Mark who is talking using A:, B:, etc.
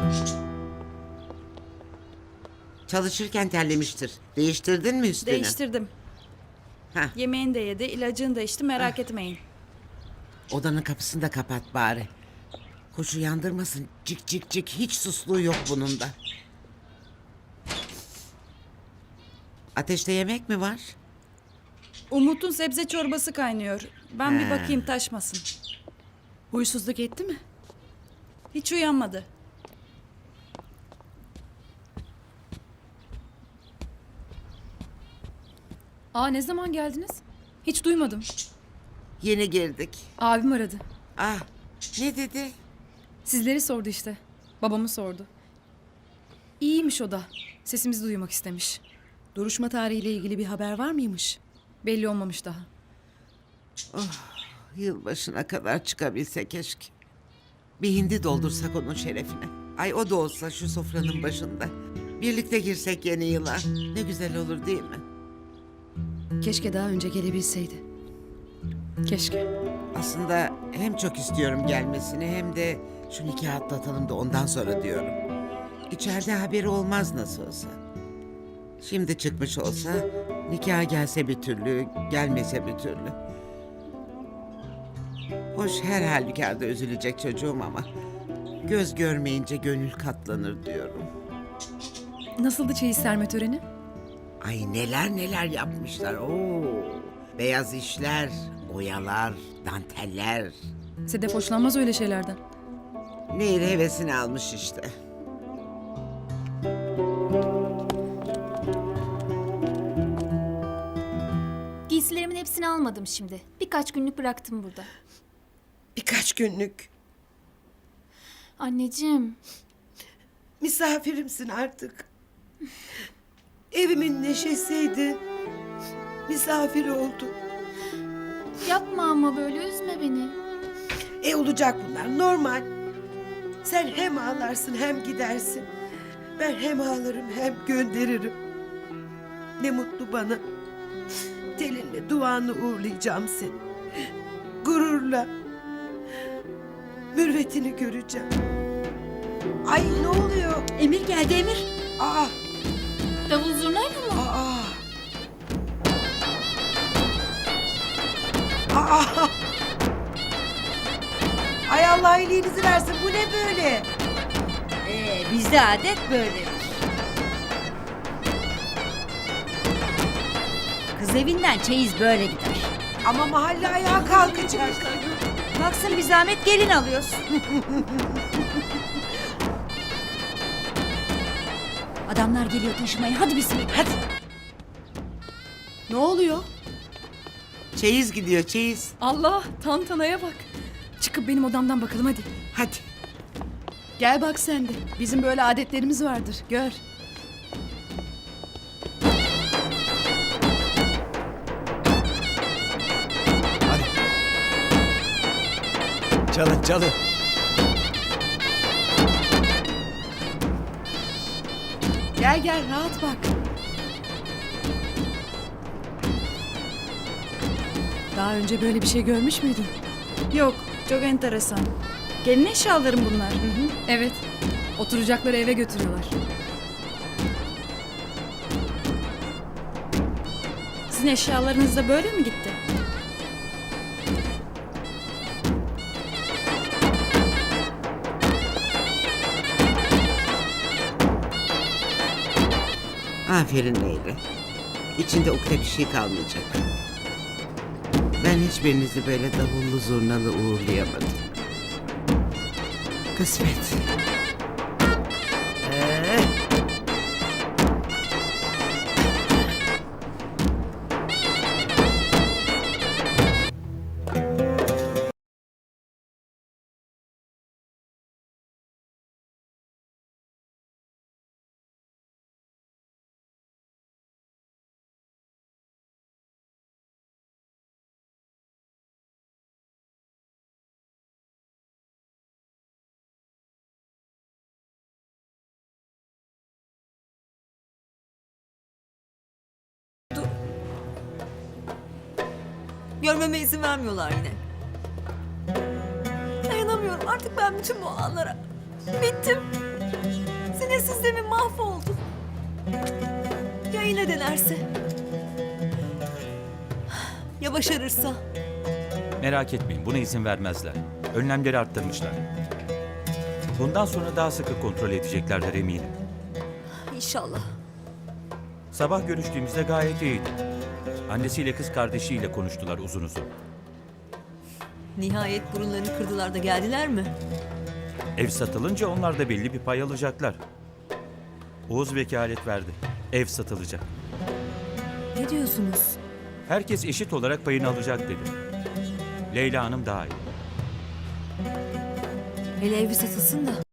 A: Çalışırken terlemiştir. Değiştirdin mi üstünü?
B: Değiştirdim.
A: Heh,
B: Yemeğini de yedi, ilacını da içti, merak etmeyin.
A: odanın kapısını da kapat bari. Kuş uyandırmasın. Cik cik cik. Hiç susluğu yok bunun da. Ateşte yemek mi var?
B: Umut'un sebze çorbası kaynıyor. Ben bir
A: He.
B: bakayım taşmasın.
C: Huysuzluk etti mi?
B: Hiç uyanmadı.
D: Ne zaman geldiniz? Hiç duymadım.
A: Yeni girdik.
D: Abim aradı.
A: Ah, ne dedi?
D: Sizleri sordu işte. Babamı sordu. İyiymiş o da. Sesimizi duymak istemiş.
C: Duruşma tarihiyle ilgili bir haber var mıymış?
D: Belli olmamış daha.
A: Yılbaşına kadar çıkabilse keşke. Bir hindi doldursak onun şerefine. Ay o da olsa şu sofranın başında. Birlikte girsek yeni yıla. Ne güzel olur değil mi?
C: Keşke daha önce gelebilseydi.
D: Keşke.
A: Aslında hem çok istiyorum gelmesini hem de şu nikahı atlatalım da ondan sonra diyorum. İçeride haberi olmaz nasıl olsa. Şimdi çıkmış olsa nikah gelse bir türlü, gelmese bir türlü. Hoş her halükarda üzülecek çocuğum ama göz görmeyince gönül katlanır diyorum.
D: Nasıldı çeyiz serme töreni?
A: Ay neler neler yapmışlar. Oo, beyaz işler, oyalar, danteller.
D: Sedef hoşlanmaz öyle şeylerden.
A: Nehir hevesini almış işte.
E: Giysilerimin hepsini almadım şimdi. Birkaç günlük bıraktım burada.
F: Birkaç günlük.
E: Anneciğim,
F: Misafirimsin artık. Evimin neşesiydi. Misafir oldu.
E: yapma ama böyle üzme beni.
F: Olacak bunlar normal. Sen hem ağlarsın hem gidersin. Ben hem ağlarım hem gönderirim. Ne mutlu bana. Telinle duanı uğurlayacağım seni. Gururla. Mürvetini göreceğim. Ay ne oluyor?
C: Emir geldi Emir.
F: Aa,
E: Davul zurnayla mı?
F: aa. Aa. Ay Allah iyiliğinizi versin. Bu ne böyle?
G: Bizde adet böyledir. Kız evinden çeyiz böyle gider.
F: Ama mahalle ayağa kalkacak.
G: Baksın bir zahmet gelin alıyorsun. Adamlar geliyor taşımaya. Hadi bismillah. Hadi.
C: Ne oluyor?
A: Çeyiz gidiyor çeyiz.
D: Allah, tantanaya bak. Çıkıp benim odamdan bakalım hadi.
A: Hadi.
C: Gel bak sen de. Bizim böyle adetlerimiz vardır. Gör.
H: Çalın çalın.
C: Gel gel rahat bak. Daha önce böyle bir şey görmüş müydün?
B: Yok, çok enteresan. Gelin eşyalarım bunlar.
D: Evet. Oturacakları eve götürüyorlar.
B: Sizin eşyalarınız da böyle mi gitti?
A: Aferin Leyla. İçinde ukde bir şey kalmayacak. Ben hiçbirinizi böyle davullu zurnalı uğurlayamadım. Kısmet.
G: Görmeme izin vermiyorlar yine. Dayanamıyorum artık ben bütün bu anlara. Bittim. sistemin mahvoldu. Ya yine denerse? Ya başarırsa?
I: Merak etmeyin, buna izin vermezler. Önlemleri arttırmışlar. Bundan sonra daha sıkı kontrol edeceklerdir eminim.
G: İnşallah.
I: Sabah görüştüğümüzde gayet iyiydi. Annesiyle kız kardeşiyle konuştular uzun uzun.
G: Nihayet burunlarını kırdılar da geldiler mi?
I: Ev satılınca onlar da belli bir pay alacaklar. Oğuz vekalet verdi. Ev satılacak.
G: Ne diyorsunuz?
I: Herkes eşit olarak payını alacak dedi. Leyla Hanım dahil.
G: Hele evi satılsın da.